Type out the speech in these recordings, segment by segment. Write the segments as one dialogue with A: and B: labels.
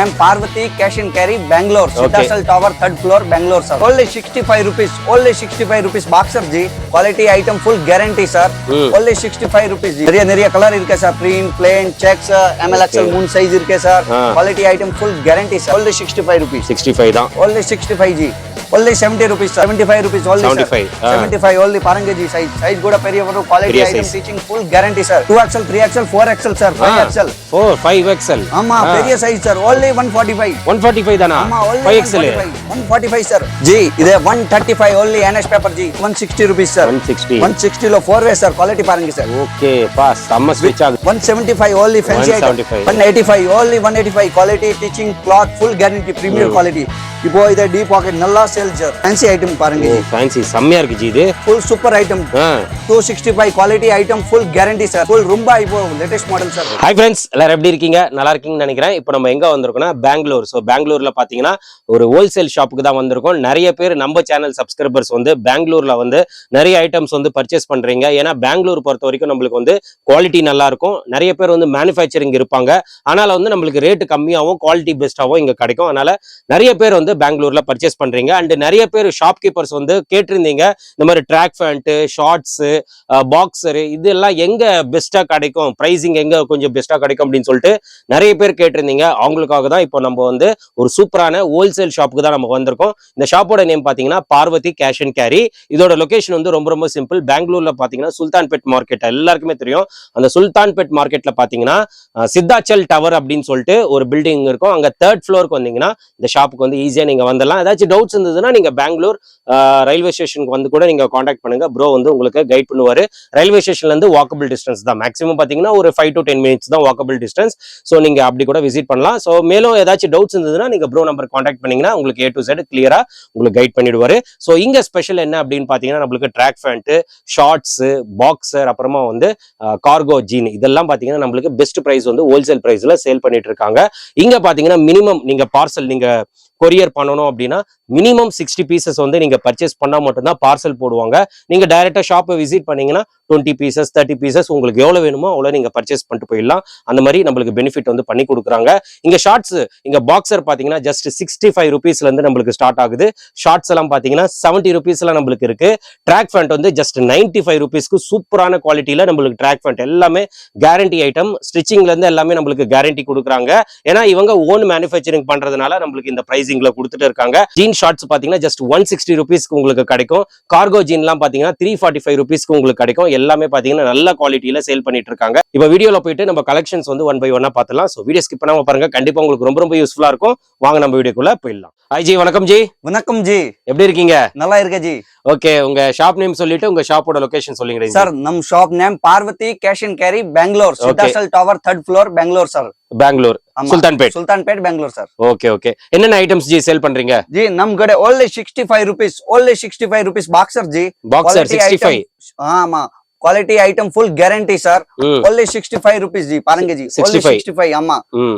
A: name Parvati Cash and Carry, Bangalore. Siddhasal Tower, 3rd floor, Bangalore, sir. Only 65 rupees. Only 65 rupees. Boxer G. Quality item, full guarantee, sir. Only 65 rupees. G. Nariya color irke sir. Print, plain, checks, MLXL, moon size irke sir. Quality item, full guarantee, sir. Only 65 rupees.
B: 65 da.
A: Only 65 G. Only 70 rupees, sir. 75 rupees. Only
B: 75.
A: 75 only. Paranga G size. Size good periya quality item, teaching full guarantee, sir. 2XL, 3XL, 4XL, sir. 5XL.
B: 4, 5XL.
A: Amma, periya size, sir. Only 145.
B: 145 dana.
A: Amma, only
B: 5XL.
A: 145, sir. G, ide 135 only NS paper G. 160 rupees, sir.
B: 160.
A: 160 lo 4-way, sir. Quality paranga, sir.
B: Okay, pass. Amma switch ag.
A: 175 only fancy
B: 175.
A: item. 185 only 185 quality teaching cloth full guarantee premium quality. இப்போ இத deep pocket நல்லா sales sir. Fancy item பாருங்க
B: ji. Fancy செம்மையா இருக்கு ஜி இது.
A: Full super item. 265 quality item full guarantee sir. Full ரொம்ப இப்போ latest model sir.
B: Hi friends, எல்லாரும் எப்படி இருக்கீங்க? நல்லா இருக்கீங்கன்னு நினைக்கிறேன். இப்போ நம்ம எங்க வந்திருக்கோம்னா பெங்களூர். சோ பெங்களூர்ல பாத்தீங்கன்னா ஒரு ஹோல்சேல் ஷாப்புக்கு தான் வந்திருக்கோம். நிறைய பேர் நம்ம சேனல் சப்ஸ்கிரைபர்ஸ் வந்து பெங்களூர்ல வந்து நிறைய ஐட்டம்ஸ் வந்து பர்ச்சேஸ் பண்றீங்க. ஏன்னா பெங்களூர் பொறுத்த வரைக்கும் நம்மளுக்கு வந்து குவாலிட்டி நல்லா இருக்கும். நிறைய பேர் வந்து மேனுஃபேக்சரிங் இருப்பாங்க. அதனால வந்து நம்மளுக்கு ரேட் கம்மியாகவும் குவாலிட்டி பெஸ்டாகவும் இங்க கிடைக்கும். அதனால நிறைய பேர் வந்து பெங்களூர்ல பர்ச்சேஸ் பண்றீங்க. அண்ட் நிறைய பேர் ஷாப்கீப்பர்ஸ் வந்து கேட்டிருந்தீங்க இந்த மாதிரி ட்ராக் பேண்ட், ஷார்ட்ஸ், பாக்ஸர் இதெல்லாம் எங்க பெஸ்டா கிடைக்கும், பிரைசிங் எங்க கொஞ்சம் பெஸ்டா கிடைக்கும் அப்படின்னு சொல்லிட்டு நிறைய பேர் கேட்டிருந்தீங்க. அவங்களுக்காக தான் இப்போ நம்ம வந்து ஒரு சூப்பரான ஹோல்சேல் ஷாப்புக்கு தான் நம்ம வந்திருக்கோம். இந்த ஷாப்போட நேம் பாத்தீங்கன்னா பார்வதி கேஷ் அண்ட் கேரி. இதோட லொகேஷன் வந்து ரொம்ப ரொம்ப சிம்பிள். பெங்களூர்ல பாத்தீங்கன்னா சுல்தான்பேட் மார்க்கெட் எல்லாருக்குமே தெரியும். அந்த சுல்தான்பேட் மார்க்கெட்ல பாத்தீங்கன்னா சித்தாச்சல் டவர் அப்படின்னு சொல்லிட்டு ஒரு பில்டிங் இருக்கும். அங்க 3rd ஃப்ளோருக்கு வந்தீங்கன்னா இந்த ஷாப்புக்கு வந்து ஈஸியா நீங்க வந்துடலாம். ஏதாச்சும் டவுட்ஸ் இருந்ததுன்னா நீங்க பெங்களூர் ரயில்வே ஸ்டேஷனுக்கு வந்து கூட நீங்க காண்டாக்ட் பண்ணுங்க. ப்ரோ வந்து உங்களுக்கு கைட் பண்ணுவாரு. ரயில்வே ஸ்டேஷன்ல இருந்து வாக்கபிள் டிஸ்டன்ஸ் தான். மேக்ஸிமம் பாத்தீங்கன்னா ஒரு 5 to 10 minutes தான் வாக்கபிள் டிஸ்டன்ஸ். ஸோ நீங்க அப்படி கூட விசிட் பண்ணலாம். ஸோ மேலும் ஏதாச்சும் டவுட்ஸ் இருந்ததுன்னா நீங்க ப்ரோ நம்பர் காண்டாக்ட் பண்ணீங்கன்னா உங்களுக்கு A to Z கிளியரா உங்களுக்கு கைட் பண்ணிடுவாரு. ஸோ இங்க ஸ்பெஷல் என்ன அப்படின்னு பாத்தீங்கன்னா நம்மளுக்கு ட்ராக் பேண்ட், ஷார்ட்ஸ், பாக்ஸர், அப்புறமா வந்து கார்கோ ஜீன் இதெல்லாம் பாத்தீங்கன்னா நம்மளுக்கு பெஸ்ட் பிரைஸ் வந்து ஹோல்சேல் பிரைஸ்ல சேல் பண்ணிட்டு இருக்காங்க. இங்க பாத்தீங்கன்னா மினிமம் நீங்க பார்சல் நீங்க கொரியர் பண்ணணும் அப்படின்னா மினிமம் 60 பீசஸ் வந்து நீங்க பர்ச்சேஸ் பண்ணா மட்டும்தான் பார்சல் போடுவாங்க. நீங்க டைரக்டா ஷாப்பை விசிட் பண்ணீங்கன்னா 20 பீசஸ் 30 பீசஸ் உங்களுக்கு எவ்வளவு வேணுமோ அவ்வளவு நீங்க பர்ச்சேஸ் பண்ணிட்டு போயிடலாம். அந்த மாதிரி நம்மளுக்கு பெனிஃபிட் வந்து பண்ணி கொடுக்குறாங்க. இங்க ஷார்ட்ஸ், இங்க பாக்ஸர் பாத்தீங்கன்னா ஜஸ்ட் 65 ருபீஸ்ல இருந்து நம்மளுக்கு ஸ்டார்ட் ஆகுது. ஷார்ட்ஸ் எல்லாம் பாத்தீங்கன்னா 70 ருபீஸ்ல நம்மளுக்கு இருக்கு. ட்ராக் பேண்ட் வந்து ஜஸ்ட் 95 ருபீஸ்க்கு சூப்பரான குவாலிட்டியில நம்மளுக்கு ட்ராக் பேண்ட் எல்லாமே கேரண்டி ஐட்டம். ஸ்டிச்சிங்ல இருந்து எல்லாமே நம்மளுக்கு கேரண்டி கொடுக்குறாங்க. ஏன்னா இவங்க ஓன் மேனுஃபேக்சரிங் பண்றதுனால நம்மளுக்கு இந்த பிரைசிங்ல கொடுத்துட்டு இருக்காங்க. ஜீன் ஷார்ட்ஸ் பாத்தீங்கன்னா ஜஸ்ட் 160 ருபீஸ்க்கு உங்களுக்கு கிடைக்கும். கார்கோ ஜீன் எல்லாம் பாத்தீங்கன்னா 345 ருபீஸ்க்கு உங்களுக்கு கிடைக்கும். எல்லாமே பாத்தீங்கன்னா நல்ல குவாலிட்டியில சேல் பண்ணிட்டு இருக்காங்க. இப்ப வீடியோல போயிட்டு நம்ம கலெக்ஷன்ஸ் வந்து ஒன் பை ஒன்னா பாத்துலாம். சோ வீடியோ ஸ்கிப் பண்ணாம பாருங்க. கண்டிப்பா உங்களுக்கு ரொம்ப ரொம்ப யூஸ்ஃபுல்லா இருக்கும். வாங்க நம்ம வீடியோக்குள்ள போயிடலாம். ஹாய் ஜி, வணக்கம் ஜி.
A: வணக்கம் ஜி.
B: எப்படி இருக்கீங்க?
A: நல்லா இருக்க ஜி.
B: ஓகே, உங்க ஷாப் நேம் சொல்லிட்டு உங்க ஷாப்போட லொகேஷன் சொல்லுங்க
A: சார். நம் shop name Parvathi cash and carry, Bangalore, Siddhachal tower, 3rd floor, Bangalore sir.
B: Bangalore Sultanpet Bangalore
A: sir.
B: Okay okay. என்னென்ன ஐட்டம்ஸ் ஜி சேல் பண்றீங்க?
A: ஜி நம் கಡೆ only 65 rupees, only 65 rupees boxer G.
B: Boxer 65.
A: ஆமா, quality item full guarantee sir. only 65 rupees G. பாருங்க ji, only 65. ஆமா,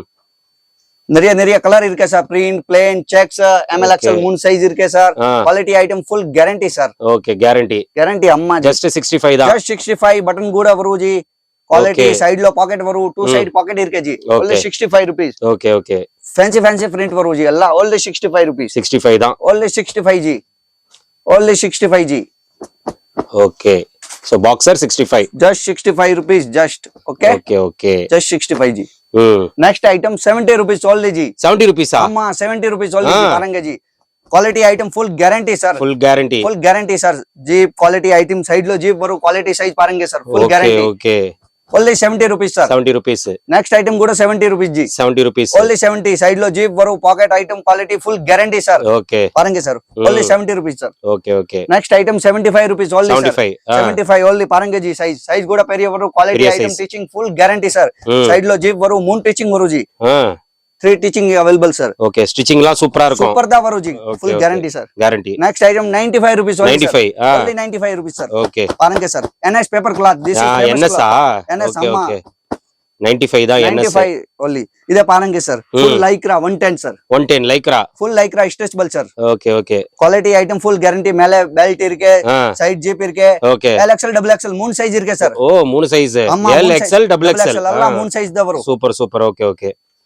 A: நிறைய colour இருக்கு sir. Print, plain, checks, MLXL, மூன் சைஸ் இருக்கு sir. Quality item full guarantee sir.
B: Okay, guarantee
A: அம்மா.
B: Just 65 தான்.
A: just 65 button கூட வரும் ஜி. क्वालिटी साइड लो पॉकेट वरू 2 साइड पॉकेट इरके ji. only 65 rupees.
B: Okay okay.
A: fancy print वरू जी अल्लाह. only 65 rupees.
B: 65 தான்.
A: only 65 ji. only 65 ji.
B: okay, so boxer 65.
A: just 65 rupees just. okay
B: okay.
A: just 65 ji. next item 70 rupees only ji.
B: 70 rupees ah.
A: amma 70 rupees only ji. पारंगे ji. Quality item full guarantee sir.
B: Full guarantee
A: sir. Zip quality item side लो zip वरू quality size पारंगे sir. Full guarantee.
B: Okay.
A: only 70 rupees sir.
B: 70 rupees.
A: next item kuda 70 rupees ji.
B: 70 rupees.
A: only 70. side lo jeep varu pocket item quality full guarantee sir.
B: okay.
A: parange sir. only 70 rupees sir.
B: okay.
A: next item 75 rupees only
B: 75.
A: sir. 75 only parange ji. size kuda periya varu quality item size. teaching full guarantee sir. side lo jeep varu moon teaching varu ji. 3 teaching available sir.
B: okay, stitching la super irukum.
A: super da varu ji. full guarantee sir.
B: guarantee.
A: next item 95 rupees only
B: 95
A: sir. only 95 rupees sir.
B: okay.
A: parange sir. NS paper cloth. this is
B: NS
A: NS
B: okay,
A: amma.
B: okay. 95 da NS
A: 95 only. ide parange sir. full lycra 110 sir.
B: 110 lycra.
A: full lycra stretchable sir.
B: okay.
A: quality item full guarantee. mele belt irke, side jeep irke.
B: okay.
A: LXL double XL moon size irke sir.
B: oh moon size. LXL double XL
A: alla moon size da varu.
B: super okay.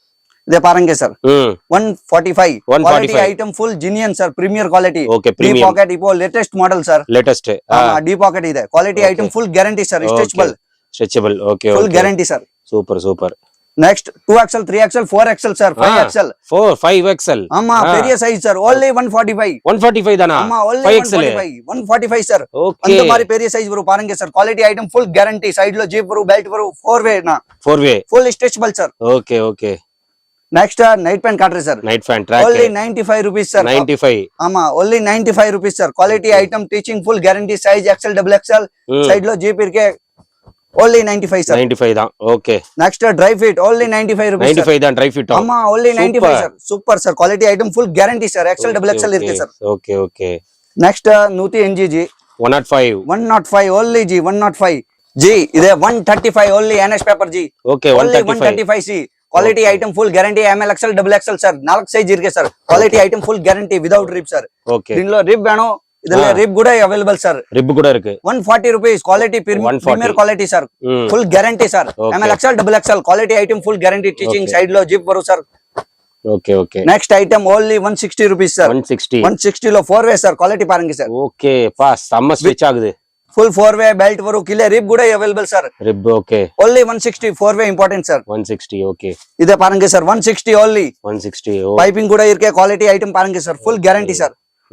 A: இதே பாருங்க sir
B: ம்
A: 145 quality
B: 145
A: item full genuine sir premier quality
B: okay
A: T
B: premium
A: pocket இப்போ latest model sir
B: latest
A: T pocket ಇದೆ quality item full guarantee sir stretchable
B: stretchable okay
A: full guarantee sir
B: super super
A: next 2XL 3XL 4XL sir 5XL
B: 5XL
A: ஆமா பெரிய size sir only 145
B: 145 தானா
A: ஆமா only
B: 5XL
A: 145 sir
B: okay
A: அந்த மாதிரி பெரிய size வரும் பாருங்க sir quality item full guarantee சைடுல ஜிப் வரும் பெல்ட் வரும் 4 வே நா
B: 4 way
A: full stretchable sir
B: okay okay
A: next night pant காட்றேன் sir
B: night fan track
A: only 95 rupees sir
B: 95
A: ஆமா only 95 rupees sir quality item teaching full guarantee size XL double XL side lo jeep irke only 95 sir
B: 95 தான் okay
A: next dry fit only 95 rupees
B: 95 தான் dry fit
A: ஆமா only 95 sir super sir quality item full guarantee sir XL double XL irke sir
B: okay okay
A: next nuti NG ji
B: 105
A: 105 only ji 105 ji ide 135 only NS paper ji
B: okay
A: only
B: 135
A: 135 c quality item full guarantee ML XL double XL sir 4 size irke sir quality item full guarantee without rib sir
B: okay
A: దీనిలో rib వేణో ఇదల్ల rib కూడా available sir
B: rib கூட இருக்கு
A: 140 rupees quality premier quality sir full guarantee sir M L X L double X L quality item full guarantee teaching side లో zip వరు sir
B: okay okay
A: next item only 160 rupees sir
B: 160
A: 160 లో 4 way sir quality పారంగి sir
B: okay பா செம்ம ஸ்விட்ச் ஆகுது
A: full 4 way belt వరు కిలే రిబ్ కూడా available sir
B: rib okay
A: only 160 4 way important sir
B: 160 okay
A: ఇదే పారంగి సార్ 160 ఓన్లీ
B: 160
A: పైపింగ్ కూడా ఇర్కే క్వాలిటీ ఐటమ్ పారంగి సార్ ఫుల్ గ్యారంటీ సార్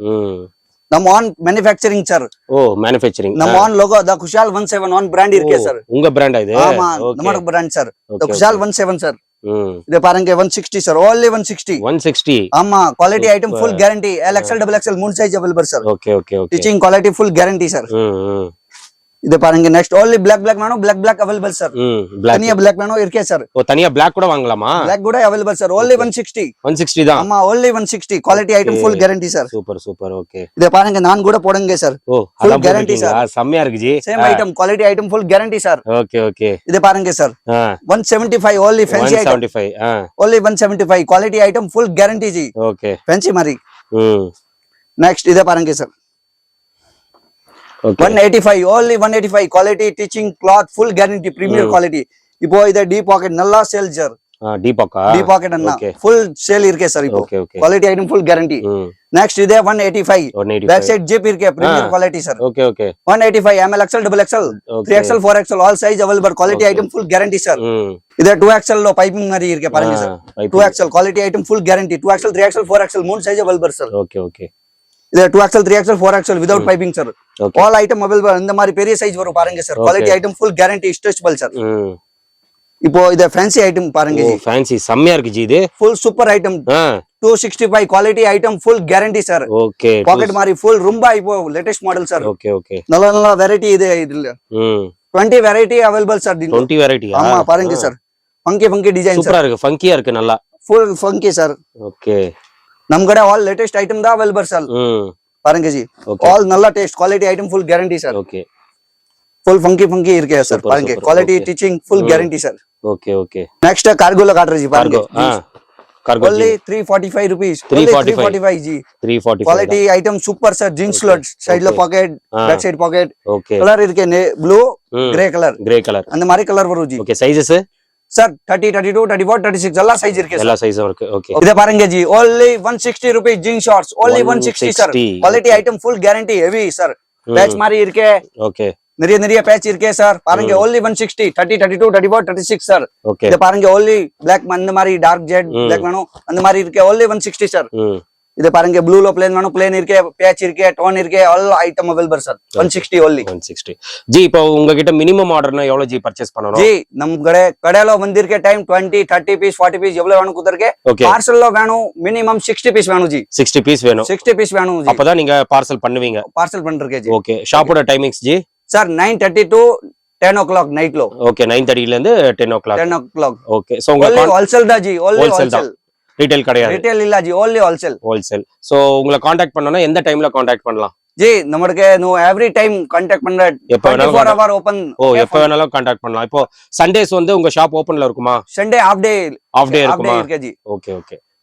A: நம்ம ஆன் மேனுஃபேக்சரிங் சார்
B: ஓ மேனுஃபேக்சரிங்
A: நம்ம own logo the Kushal 17 own brand இருக்கே சார்
B: உங்க பிராண்டா இது
A: ஆமா நம்ம brand sir the Kushal 17 sir இது பாருங்க 160 சார் only 160
B: 160
A: ஆமா quality item full guarantee LXL double XL மூணு size available sir
B: okay okay okay
A: teaching quality full guarantee sir இது பாருங்க நெக்ஸ்ட் only black வேணும் black அவைலபிள் சார் தனியா black வேணும் இருக்கே சார்
B: ஓ தனியா black கூட வாங்கலாமா
A: black கூட அவைலபிள் சார் only 160
B: 160 தான்
A: ஆமா only 160 quality item full guarantee sir
B: super super okay
A: இது பாருங்க நான் கூட போடுங்க சார்
B: ஓ
A: full
B: அதான்
A: guarantee
B: கேரண்டி சார் செம்மயா இருக்கு ji
A: same item quality item full guarantee sir
B: okay okay
A: இது பாருங்க sir 175 only fancy item
B: 175
A: only 175 quality item full guarantee ji
B: okay
A: fancy mari
B: next
A: இத பாருங்க sir
B: okay
A: 185 only 185 quality teaching cloth full guarantee premier quality இப்போ இத T pocket நல்லா sale sir
B: T pocket
A: அண்ணா full sale இருக்கே sir இப்போ quality item full guarantee next இத 185 back side zip இருக்கே premier quality sir
B: okay okay
A: 185 ML XL double XL 3XL 4XL all size available quality item full guarantee sir இத 2XL லோ piping மாதிரி இருக்கே பாருங்க sir 2XL quality item full guarantee 2XL 3XL 4XL மூணு size available sir
B: okay okay
A: இது 2XL 3XL 4XL without piping sir all item available இந்த மாதிரி பெரிய சைஸ் வரும் பாருங்க sir quality item full guarantee stretchable sir இப்போ இத fancy item பாருங்க
B: ஜி fancy செம்மயா இருக்கு ஜி இது
A: full super item 265 quality item full guarantee sir
B: okay
A: pocket மாதிரி full ரொம்ப இப்போ latest model sir
B: okay okay
A: நல்ல variety இதுல 20 variety available sir
B: 20 variety
A: ஆமா பாருங்க சார் funky design
B: சூப்பரா இருக்கு ஃபங்கியா இருக்கு நல்லா
A: full funky sir
B: okay
A: நம்ம கட all latest item தான் available sir பாருங்க ஜி all நல்ல taste quality item full guarantee sir
B: okay
A: full funky இருக்கே சார் பாருங்க quality teaching full guarantee sir
B: okay okay
A: next cargo ல காட்றேன் ஜி பாருங்க
B: cargo
A: only 345 rupees 345 ji
B: 345
A: quality item super sir jeans slot side ல pocket back side pocket
B: okay
A: colour இருக்கே blue gray color அந்த மாதிரி colour வரும் ஜி
B: okay sizes
A: sir 30 32 34 36 எல்லா size இருக்கு
B: எல்லா சைஸும் இருக்கு okay
A: இத பாருங்க ji only 160 rupees jeans shorts only 160 sir quality item full guarantee heavy sir patch மாதிரி இருக்கே
B: okay
A: நிறைய பேட்ச் இருக்கே சார் பாருங்க only 160 30 32 34 36 சார்
B: okay
A: இத பாருங்க only black அந்த மாதிரி டார்க் ஜெட் black வேணும் அந்த மாதிரி இருக்கே only 160 சார் இத பாருங்க ப்ளூ ல plain வேணும் plain இருக்கே பேட்ச் இருக்கே டோன் இருக்கே all item available sir 160 only
B: 160 ji இப்போ உங்ககிட்ட மினிமம் ஆர்டர்னா எவ்வளவு ஜி பர்ச்சேஸ் பண்ணனும்
A: ஜி நம்ம கடையில வந்திருக்கே டைம் 20 30 பீஸ் 40 பீஸ் எவ்வளவு வேணும் குதர்க்கே பார்சல் ல வேணும் மினிமம் 60 பீஸ் வேணும் ஜி
B: 60 பீஸ் வேணும்
A: 60 பீஸ் வேணும் ஜி
B: அப்பதான் நீங்க பார்சல் பண்ணுவீங்க
A: பார்சல் பண்றக்கே ஜி
B: ஓகே ஷாப்போட timings ji
A: sir 9:30 to 10 o'clock night lo
B: okay 9:30 ல இருந்து 10 o'clock okay so
A: only wholesale da ji only wholesale
B: retail கிடையாது
A: retail இல்ல ஜி only wholesale
B: so உங்களை कांटेक्ट பண்ணனும்னா எந்த டைம்ல कांटेक्ट பண்ணலாம்
A: ஜி நமக்கு நோ எவ்ரி டைம் कांटेक्ट பண்ற 24 hour ஓபன்
B: எப்ப வேணாலும் कांटेक्ट பண்ணலாம் இப்போ சண்டேஸ் வந்து உங்க ஷாப் ஓபன்ல இருக்குமா
A: சண்டே ஆஃப் டே
B: இருக்குமா
A: இருக்கு ji
B: okay okay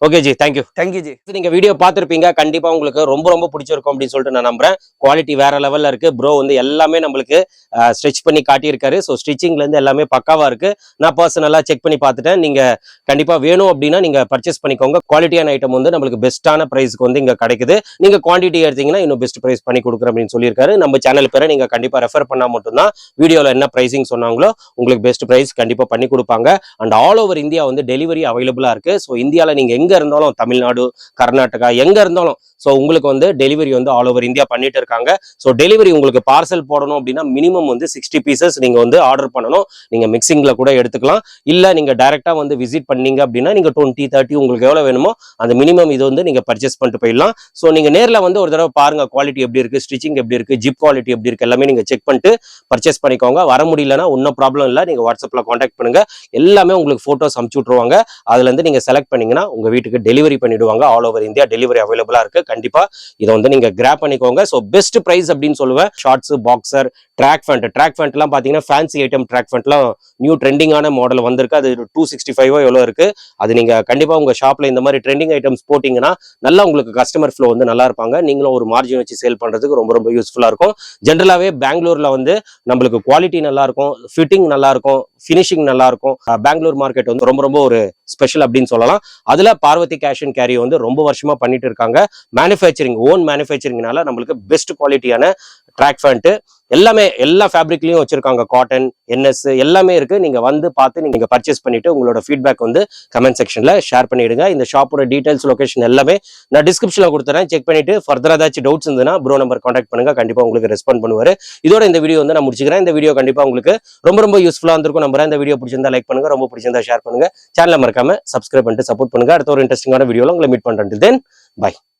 B: okay ji, thank you.
A: Thank you ji.
B: நீங்க வீடியோ பார்த்திருப்பீங்க, கண்டிப்பா உங்களுக்கு ரொம்ப ரொம்ப பிடிச்சிருக்கும் அப்படின்னு சொல்லிட்டு நான் நம்புறேன். குவாலிட்டி வேற லெவல்ல இருக்கு. ப்ரோ வந்து எல்லாமே நம்மளுக்கு ஸ்டிச் பண்ணி காட்டியிருக்காரு. ஸோ ஸ்டிச்சிங்ல இருந்து எல்லாமே பக்காவா இருக்கு. நான் பர்சனலா செக் பண்ணி பார்த்துட்டேன். நீங்க கண்டிப்பா வேணும் அப்படின்னா நீங்க பர்ச்சேஸ் பண்ணிக்கோங்க. குவாலிட்டியான ஐட்டம் வந்து நம்மளுக்கு பெஸ்ட்டான பிரைஸ்க்கு வந்து இங்க கிடைக்குது. நீங்க குவான்டிட்டி எடுத்தீங்கன்னா இன்னும் பெஸ்ட் பிரைஸ் பண்ணி கொடுக்குறேன் அப்படின்னு சொல்லியிருக்காரு. நம்ம சேனல் பேரை நீங்க கண்டிப்பா ரெஃபர் பண்ணா மட்டும்தான் வீடியோல என்ன பிரைசிங் சொன்னாங்களோ உங்களுக்கு பெஸ்ட் பிரைஸ் கண்டிப்பா பண்ணி கொடுப்பாங்க. அண்ட் ஆல் ஓவர் இந்தியா வந்து டெலிவரி அவைலபிளா இருக்கு. ஸோ இந்தியாவில் நீங்க எங்க இருந்தாலும், தமிழ்நாடு, கர்நாடகா எங்க இருந்தாலும் ஸோ உங்களுக்கு வந்து டெலிவரி வந்து ஆல் ஓவர் இந்தியா பண்ணிட்டு இருக்காங்க. ஸோ டெலிவரி உங்களுக்கு பார்சல் போடணும் அப்படின்னா மினிமம் வந்து 60 பீசஸ் நீங்க வந்து ஆர்டர் பண்ணணும். நீங்க மிக்சிங்ல கூட எடுத்துக்கலாம். இல்ல நீங்க டைரக்டா வந்து விசிட் பண்ணீங்க அப்படின்னா நீங்க 20, 30 உங்களுக்கு எவ்வளவு வேணுமோ அந்த மினிமம் இது வந்து நீங்க பர்ச்சேஸ் பண்ணிட்டு போயிடலாம். ஸோ நீங்க நேர்ல வந்து ஒரு தடவை பாருங்க, குவாலிட்டி எப்படி இருக்கு, ஸ்டிச்சிங் எப்படி இருக்கு, ஜிப் குவாலிட்டி எப்படி இருக்கு, எல்லாமே நீங்க செக் பண்ணிட்டு பர்ச்சேஸ் பண்ணிக்கோங்க. வர முடியலன்னா ஒன்னும் ப்ராப்ளம் இல்லை, நீங்க வாட்ஸ்அப்ல கான்டாக்ட் பண்ணுங்க. எல்லாமே உங்களுக்கு போட்டோஸ் அனுப்பிச்சு விட்டுருவாங்க. அதுல இருந்து நீங்க செலக்ட் பண்ணீங்கன்னா உங்க வீட்டுக்கு டெலிவரி பண்ணிடுவாங்க. ஆல் ஓவர் இந்தியா டெலிவரி அவைலபிளா இருக்கு. கண்டிப்பா இதை வந்து நீங்க கிராப் பண்ணிக்கோங்க. ஸோ பெஸ்ட் பிரைஸ் அப்படின்னு சொல்லுவேன். ஷார்ட்ஸ், பாக்ஸர், ட்ராக் பேண்ட் எல்லாம் பாத்தீங்கன்னா ஃபேன்சி ஐட்டம் ட்ராக் பேண்ட்லாம் நியூ ட்ரெண்டிங்கான மாடல் வந்திருக்கு. அது 265 எவ்வளவு இருக்கு. அது நீங்க கண்டிப்பா உங்க ஷாப்ல இந்த மாதிரி ட்ரெண்டிங் ஐட்டம்ஸ் போட்டீங்கன்னா நல்லா உங்களுக்கு கஸ்டமர் ஃப்ளோ வந்து நல்லா இருப்பாங்க. நீங்களும் ஒரு மார்ஜின் வச்சு சேல் பண்றதுக்கு ரொம்ப ரொம்ப யூஸ்ஃபுல்லா இருக்கும். ஜென்ரலாவே பெங்களூர்ல வந்து நம்மளுக்கு குவாலிட்டி நல்லா இருக்கும், ஃபிட்டிங் நல்லா இருக்கும், ஃபினிஷிங் நல்லா இருக்கும். பெங்களூர் மார்க்கெட் வந்து ரொம்ப ரொம்ப ஒரு ஸ்பெஷல் அப்படின்னு சொல்லலாம். அதுல பார்வதி கேஷ் அண்ட் கேரி வந்து ரொம்ப வருஷமா பண்ணிட்டு இருக்காங்க. மேனுஃபேக்சரிங், ஓன் மேனுஃபேக்சரிங்னால நம்மளுக்கு பெஸ்ட் குவாலிட்டியான ட்ராக் பேண்ட் எல்லாமே எல்லா ஃபேப்ரிக்லயும் வச்சிருக்காங்க. காட்டன், என்எஸ் எல்லாமே இருக்கு. நீங்க வந்து பார்த்து நீங்க பர்ச்சேஸ் பண்ணிட்டு உங்களோட ஃபீட்பேக் வந்து கமெண்ட் செக்ஷன்ல ஷேர் பண்ணிடுங்க. இந்த ஷாப்போட டீடைல்ஸ், லொகேஷன் எல்லாமே நான் டிஸ்கிரிப்ஷன்ல கொடுத்துறேன். செக் பண்ணிட்டு ஃபர்தரா ஏதாச்சும் டவுட்ஸ் இருந்ததுன்னா ப்ரோ நம்பர் கான்டாக்ட் பண்ணுங்க. கண்டிப்பா உங்களுக்கு ரெஸ்பாண்ட் பண்ணுவாரு. இதோட இந்த வீடியோ வந்து நான் முடிச்சுக்கிறேன். இந்த வீடியோ கண்டிப்பா உங்களுக்கு ரொம்ப ரொம்ப யூஸ்ஃபுல்லா இருந்திருக்கும் நம்புறேன். இந்த வீடியோ பிடிச்சிருந்தா லைக் பண்ணுங்க, ரொம்ப பிடிச்சிருந்தா ஷேர் பண்ணுங்க. சேனலை மறக்காம சப்ஸ்கிரைப் பண்ணிட்டு சப்போர்ட் பண்ணுங்க. அடுத்த ஒரு இன்ட்ரெஸ்டிங்கான வீடியோல உங்களை மீட் பண்றேன். Then by.